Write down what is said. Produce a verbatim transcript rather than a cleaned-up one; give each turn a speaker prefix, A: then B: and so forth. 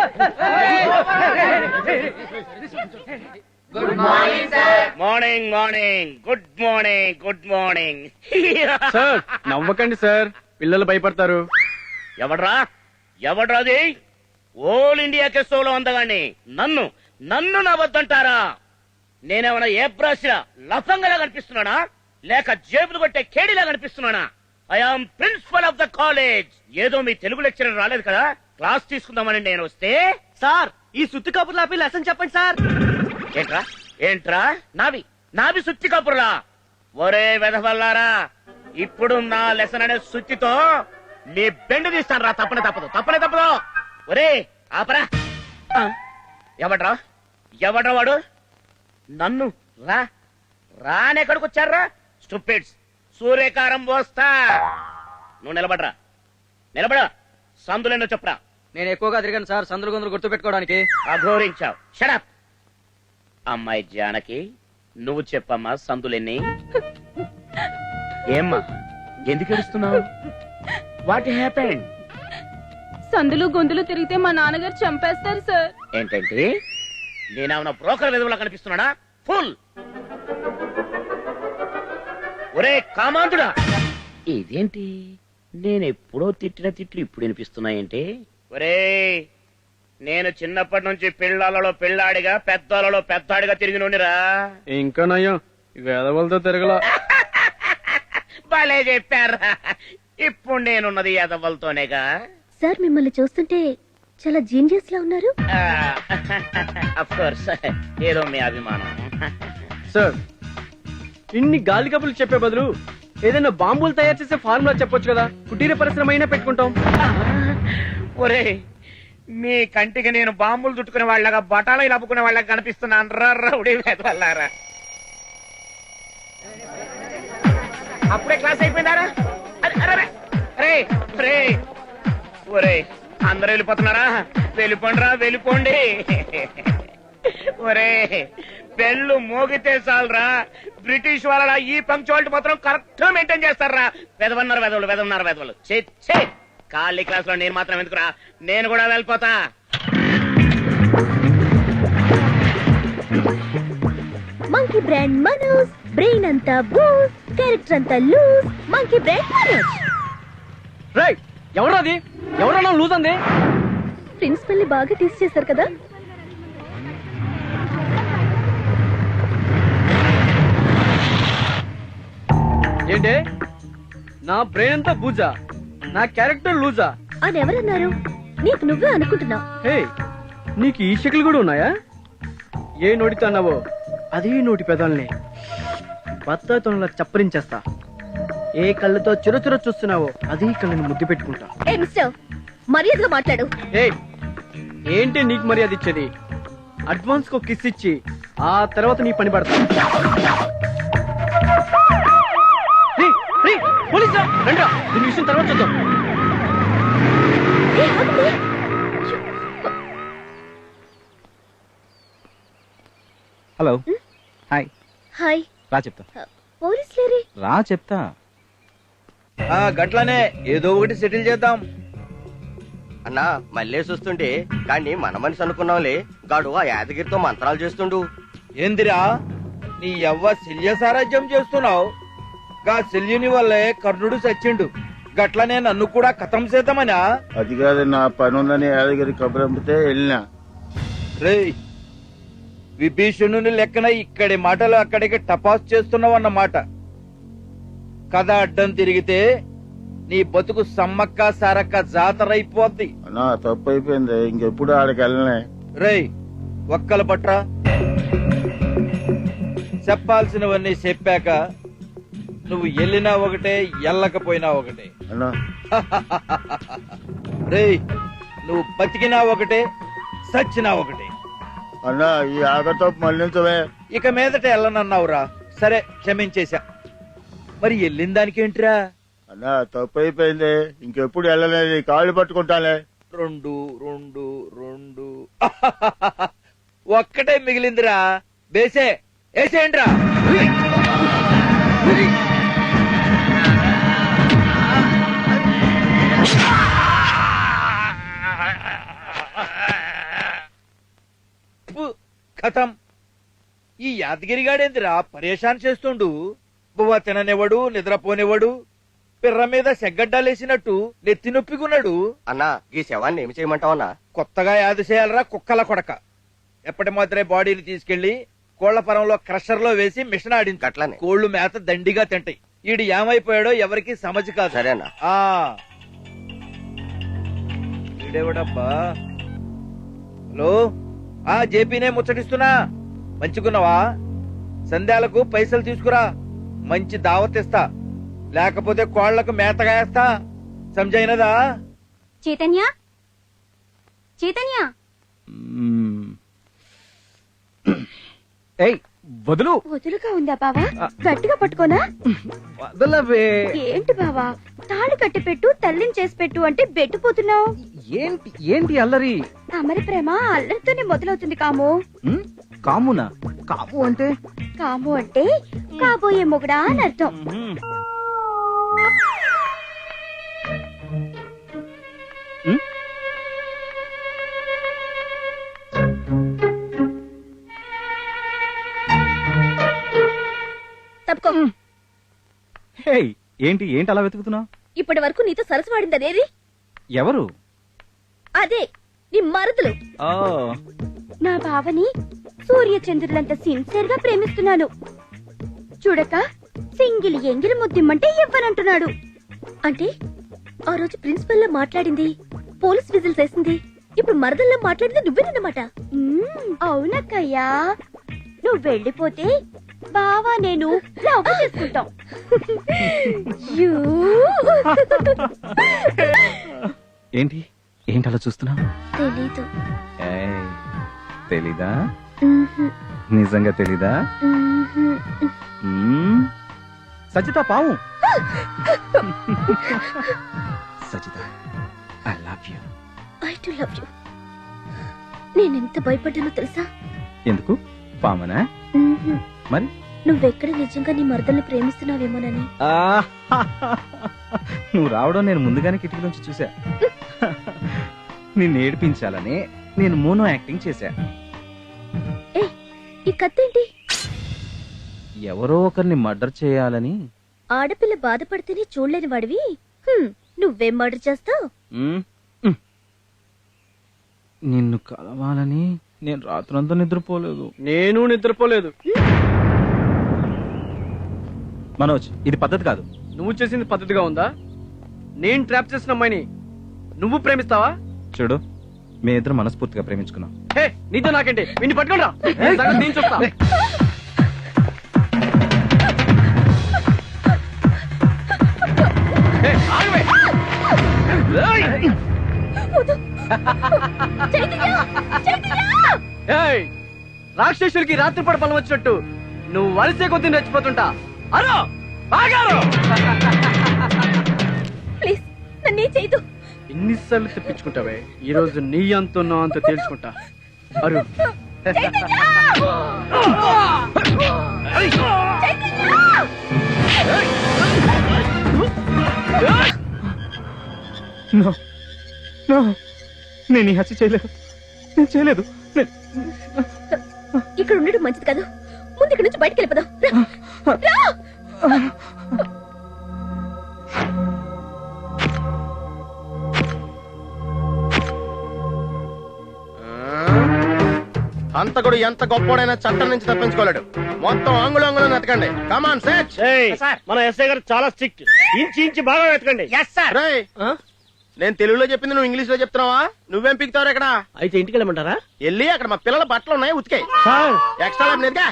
A: Good morning sir.
B: Morning morning good morning good morning.
C: Sir నవ్వకండి sir, పిల్లలు భయపడతారు.
B: ఎవడ్రా ఎవడ్రాది? ఓల్ ఇండియా కెస్టోలో అందగాన్ని నన్ను నన్ను నవ్వద్దంటారా? నేనేమన్నా ఏ బ్రష్ లఫంగలా కనిపిస్తున్నానా, లేక జేబులు కొట్టే కేడీలా కనిపిస్తున్నానా? I am principal of the college. ఏదో మీ తెలుగు లెక్చరర్ రాలేదు కదా క్లాస్ తీసుకుందామని నేను వస్తే.
D: సార్ ఈ సుత్తి కబుర్లు ఆపి లెసన్ చెప్పండి సార్.
B: ఏంట్రా ఏంట్రా నావి నావి సుత్తి కబుర్లా? ఒరే వెధవల్లారా, ఇప్పుడు నా లెసన్ అనే సుత్తితో నీ బెండు తీస్తాను రా. తప్పనే తప్పదు తప్పనే తప్పదు. ఒరే ఆపరా. ఎవడ్రా ఎవడ్రా వాడు? నన్ను రా రానెక్కడికి వచ్చారా స్టూపిడ్స్? సూర్యకారం పోస్తా. నువ్వు నిలబడరా నిలబడ. సందులేనో చెప్పరా.
D: నేను ఎక్కువగా తిరిగాను సార్ సందులు గొంతులు గుర్తు పెట్టుకోవడానికి.
B: అఘోరించావు. షడప్. అమ్మాయి జానకి నువ్వు చెప్పమ్మా సందులెన్ని? ఏమ్మా ఎందుకు ఏడుస్తున్నావు? What happened?
E: సందులు గొంతులు తిరిగితే మా నాన్నగారు చంపేస్తారు సార్.
B: ఏంటంటే నేనేమన్నా బ్రోకర్ విధవులా కనిపిస్తున్నాడా? ఫుల్. ఒరే కామాంతుడా, ఇదేంటి నేను ఎప్పుడో తిట్టిన తిట్లు ఇప్పుడు వినిపిస్తున్నాయంటే? ఒరే నేను చిన్నప్పటి నుంచి పిల్లాలలో పిల్లాడిగా పెద్దలలో పెద్దాడిగా తిరిగి నుండిరా.
C: ఇంకా నయ్యం వేదవలతో తిరగల.
B: భలే చెప్పారా. ఇప్పుడు నేనున్నది ఎదవలతోనేగా.
F: సార్ మిమ్మల్ని చూస్తుంటే చాలా జీనియస్ లా ఉన్నారు.
B: అఫ్ కోర్స్ ఏదో మీ అభిమానం.
C: సార్ ఇన్ని గాలి కబుర్లు చెప్పే బదులు ఏదైనా బాంబులు తయారు చేసే ఫార్ములా చెప్పొచ్చు కదా, కుటీర పరిశ్రమ అయినా పెట్టుకుంటాం.
B: ఒరే మీ కంటికి నేను బాంబులు చుట్టుకునే వాళ్ళగా బటాలు నవ్వుకునే వాళ్ళగా కనిపిస్తున్నాను రా రౌడీ వెదవల్లారా. అప్పుడే క్లాస్ అయిపోయిందారా? రే రే ఒరే అందరూ వెళ్ళిపోతున్నారా? వెళ్ళిపోండి రా వెళ్ళిపోండి. ఒరే బెల్లు మోగితే చాలరా బ్రిటిష్ వాళ్ళ ఈ పంక్చువాలిటీ మాత్రం కరెక్ట్ గా మెయింటైన్ చేస్తారా. వెదవన్నారు వెదవలు వెదవన్నారు వెదవలు. చే ఖాళీ క్లాస్ లో నేను మాత్రం ఎందుకురా, నేను కూడా వెళ్ళిపోతా.
F: మంకీ బ్రాండ్ మనోజ్, బ్రెయిన్ అంతా బూస్, క్యారెక్టర్ అంతా loose. Monkey brand Manoj.
C: Right. ఎవరది ఎవరన్నా లూజ్ అంది?
F: ప్రిన్సిపల్ ని బాగా టీస్ చేశారు కదా.
C: ఏంటే నా బ్రెయిన్ అంతా బూజా, నా క్యారెక్టర్ లూజా
F: అని ఎవరన్నారు? నీకు నువ్వే అనుకుంటున్నావు.
C: హే నీకు ఈ షకిల్ కూడా ఉన్నాయా? ఏ నోటితో అన్నావో అదే నోటి పెదాలని బత్తాయితోనలా చప్పరించేస్తా. ఏ కళ్ళతో చురచుర చూస్తున్నావో అదే కళ్ళని ముద్దు పెట్టుకుంటా.
F: ఏ మిస్టర్ మర్యాదగా మాట్లాడు.
C: ఏ ఏంటి నీకు మర్యాద ఇచ్చేది? అడ్వాన్స్ కో కిస్ ఇచ్చి ఆ తర్వాత నీ పని పడతా. పోలీసా రండి, దీని విషయం తర్వాత చూద్దాం.
G: Hello hi.
F: హాయ్.
G: రా చెప్తా.
F: పోలీస్ లేరే?
G: రా చెప్తా.
D: గట్లనే ఏదో ఒకటి సెటిల్ చేద్దాం
H: అన్నా. మళ్ళీ చూస్తుంటే కానీ మన మనిషి అనుకున్నాంలే, గాడు ఆ యాదగిరితో మంత్రాలు చేస్తుండు.
D: ఏందిరా నీ యవ్వ శల్య సారాజ్యం చేస్తున్నావు? గా శల్యుని వల్లే కర్ణుడు చచ్చిండు, గట్లనే నన్ను కూడా కథం చేద్దామనా?
I: అది కాదు, నా పని ఉందని యాదగిరి కబురంపితే వెళ్ళినా.
D: రే విభీషణుని లెక్కన ఇక్కడి మాటలు అక్కడికి టపాస్ చేస్తున్నావు అన్నమాట. కథ అడ్డం తిరిగితే నీ బతుకు సమ్మక్క సారక్క జాతరైపోద్ది.
I: నా తప్పు అయిపోయింది, ఇంకెప్పుడు ఆడికి వెళ్ళనే.
D: రేయ్ ఒక్కల పట్రా. చెప్పాల్సినవన్నీ చెప్పాక నువ్వు వెళ్ళినా ఒకటే, ఎల్లకపోయినా ఒకటే.
I: అన్నా
D: రేయ్ నువ్వు బతికినా ఒకటే, సచ్చినా ఒకటే.
I: అన్నా ఈ ఆగతో మళ్ళించవే.
D: ఇక మీదట వెళ్ళనన్నావురా, సరే క్షమించేశా. మరి వెళ్ళిన దానికేంట్రా?
I: అన్నా తప్పు అయిపోయింది, ఇంకెప్పుడు వెళ్ళలేదు, కాళ్ళు పట్టుకుంటానే.
D: రెండు రెండు రెండు ఒక్కటే మిగిలిందిరా. బేసే వేసేయండిరా. ఖతం. ఈ యాదగిరిగాడేందిరా పరేషాన్ చేస్తుండు. బువ్వ తిననివ్వడు, నిద్రపోనివ్వడు, పిర్ర మీద సెగ్గడ్డాలేసినట్టు నెత్తి నొప్పికున్నాడు.
H: అన్నా ఈ శవాన్ని ఏమి చేయమంటావన్నా?
D: కొత్తగా యాది చేయాలరా కుక్కల కొడక. ఎప్పటి మాత్రమే బాడీని తీసుకెళ్లి కోళ్ల పొలంలో క్రషర్ లో వేసి మిషన్ ఆడింది.
H: అట్లనే.
D: కోళ్లు మేత దండిగా తింటాయి. ఈడు ఏమైపోయాడో ఎవరికి సమజ్ కాదు.
H: సరే అన్నా.
D: ఆ ఈడేవడబ్బా? హలో, ఆ జేపీనే ముచ్చటిస్తున్నా. మంచిగున్నావా? సంధ్యాలకు పైసలు తీసుకురా, మంచి దావత్ ఇస్తా, లేకపోతే కోళ్లకు మేతగా వేస్తా. సంజైనదా?
F: చైతన్య చైతన్య
G: మ్మ్. ఏయ్ వదులు.
F: వదులుగా ఉందా బావా? గట్టిగా పట్టుకోనా?
G: వదలవే.
F: ఏంటి బావా, తాళి కట్టి పెట్టు, తల్లిని చేసి పెట్టు అంటే బెట్టుపోతున్నావు.
G: ఏంటి ఏంటి అల్లరి?
F: అమరి ప్రేమ అల్లరితోనే మొదలవుతుంది కాము.
G: మ్మ్? కామునా? కాము అంటే?
F: కాము అంటే కాబోయే మొగుడా అని అర్థం.
G: మ్మ్. మ్మ్?
F: తప్పుకో.
G: హే, ఏంటి ఏంటి అలా వెతుకుతున్నావు?
F: ఇప్పటి వరకు నీతో సరసు వాడింది అదేది?
G: ఎవరు?
F: అదే నీ మరుదులు.
G: ఓ,
F: నా బావని సూర్య చంద్రులంత సిన్సియర్ గా ప్రేమిస్తున్నాను. చూడక సింగిల్ ఎంగిలి ముద్దిమ్మంటే ఇవ్వనంటున్నాడు. అంటే ఆ రోజు ప్రిన్సిపల్ లా మాట్లాడింది, పోలీస్ విజిల్స్ వేసింది, ఇప్పుడు మరదల్లా మాట్లాడింది నువ్వేనన్నమాట. అవునక్కయ్యా, నువ్వు వెళ్ళిపోతే బావా నేను లవ్ చేసుకుంటాం. యూ.
G: ఏంటి ఏంటి అలా చూస్తున్నావు?
F: తెలీదు.
G: ఏయ్, తెలీదా?
F: మ్హూ.
G: నిజంగా తెలీదా?
F: మ్హూ.
G: మ్మ్? సచిత పావు. Sachita, I love you.
F: I too love you. నేనెంత భయపడ్డానో తెలుసా?
G: ఎందుకు? పామనా?
F: మ్హూ.
G: మరి
F: నువ్వెక్కడ నిజంగా నీ మరదల్ని ప్రేమిస్తున్నావేమోనని.
G: ఆ, నువ్వు రావడం నేను ముందుగానే కిటికీలోంచి చూసా. నిన్ను ఏడిపించాలని నేను మోనో యాక్టింగ్ చేశా.
F: ఏ, ఈ కత్తేంటి?
G: ఎవరో ఒకరిని మర్డర్ చేయాలని.
F: ఆడపిల్ల బాధపడితేనే చూడలేని వాడివి హ్మ్, నువ్వేం మర్డర్ చేస్తావు?
G: మ్మ్? మ్మ్. నిన్ను కలవాలని నేను రాత్రంతా నిద్రపోలేదు.
C: నేను నిద్రపోలేదు.
G: మనోజ్, ఇది పద్ధతి కాదు.
C: నువ్వు చేసింది పద్ధతిగా ఉందా? నేను ట్రాప్ చేసిన అమ్మాయిని నువ్వు ప్రేమిస్తావా?
G: చూడు, మీ ఇద్దరు మనస్ఫూర్తిగా ప్రేమించుకున్నాం.
C: హే, నీతో నాకేంటి? విన్ని పట్టుకోండి రా. నేను సంగతి నేను చూస్తా. హే, ఆగవే. ఏయ్! ఏయ్, రాక్షసుడికి రాత్రిపూట బలం వచ్చినట్టు నువ్వు వలసే కొద్ది రెచ్చిపోతుంటా. అరో, ఆగారు.
F: ప్లీజ్ నన్నే చేయదు.
C: ఎన్నిసార్లు తెప్పించుకుంటావే? ఈ రోజు నీ అంత నా అంత తేల్చుకుంటా. అరు
G: No. No. నేను ఈ హత్య చేయలేదు. నేను చేయలేదు. నేను-
F: ఇక్కడ ఉండడం మంచిది కాదు. ముందు ఇక్కడ నుంచి బయటికి వెళ్ళిపోదాం. రా, రా.
H: హంతకుడు ఎంత గొప్పోడైనా చట్టం నుంచి తప్పించుకోలేడు. మొత్తం ఆంగులు ఆంగులు వెతకండి. Come on search.
B: మన ఎస్ఐ గారు చాలా స్ట్రిక్ట్. ఇంచి ఇంచి బాగా వెతకండి.
H: రేయ్, నేను తెలుగులో చెప్పింది నువ్వు ఇంగ్లీష్ లో చెప్తున్నావా? నువ్వేం పిక్తావు ఇక్కడ?
B: అయితే ఇంటికి వెళ్ళమంటారా?
H: వెళ్ళి అక్కడ మా పిల్లల బట్టలు ఉన్నాయి, ఉతికాయి.
B: Sir
H: extra lab